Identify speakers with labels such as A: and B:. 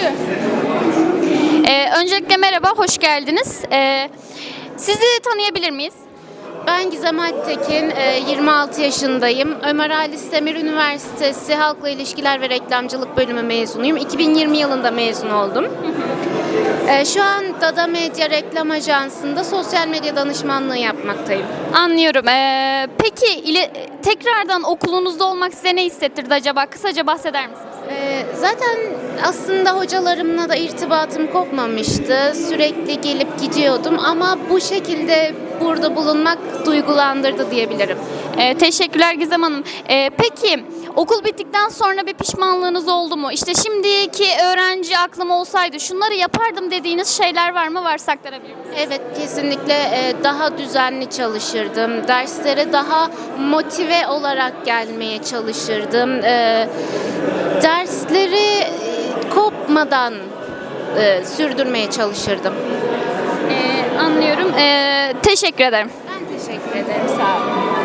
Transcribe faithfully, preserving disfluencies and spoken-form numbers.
A: Başlıyoruz. Ee, öncelikle merhaba, hoş geldiniz. Ee, sizi tanıyabilir miyiz?
B: Ben Gizem Alptekin, e, yirmi altı yaşındayım. Ömer Halis Demir Üniversitesi Halkla İlişkiler ve Reklamcılık bölümü mezunuyum. iki bin yirmi yılında mezun oldum. E, Şu an Dada Medya Reklam Ajansı'nda sosyal medya danışmanlığı yapmaktayım.
A: Anlıyorum. Ee, peki ile, tekrardan okulunuzda olmak size ne hissettirdi acaba? Kısaca bahseder misiniz?
B: E, Zaten aslında hocalarımla da irtibatım kopmamıştı. Sürekli gelip gidiyordum ama bu şekilde burada bulunmak duygulandırdı diyebilirim.
A: Ee, teşekkürler Gizem Hanım. Ee, peki okul bittikten sonra bir pişmanlığınız oldu mu? İşte şimdiki öğrenci aklım olsaydı şunları yapardım dediğiniz şeyler var mı? Varsa aktarabilir misiniz?
B: Evet, kesinlikle e, daha düzenli çalışırdım. Derslere daha motive olarak gelmeye çalışırdım. E, Dersleri e, kopmadan e, sürdürmeye çalışırdım.
A: Ee, anlıyorum. Ee, teşekkür ederim.
B: Ben teşekkür ederim. Sağ olun.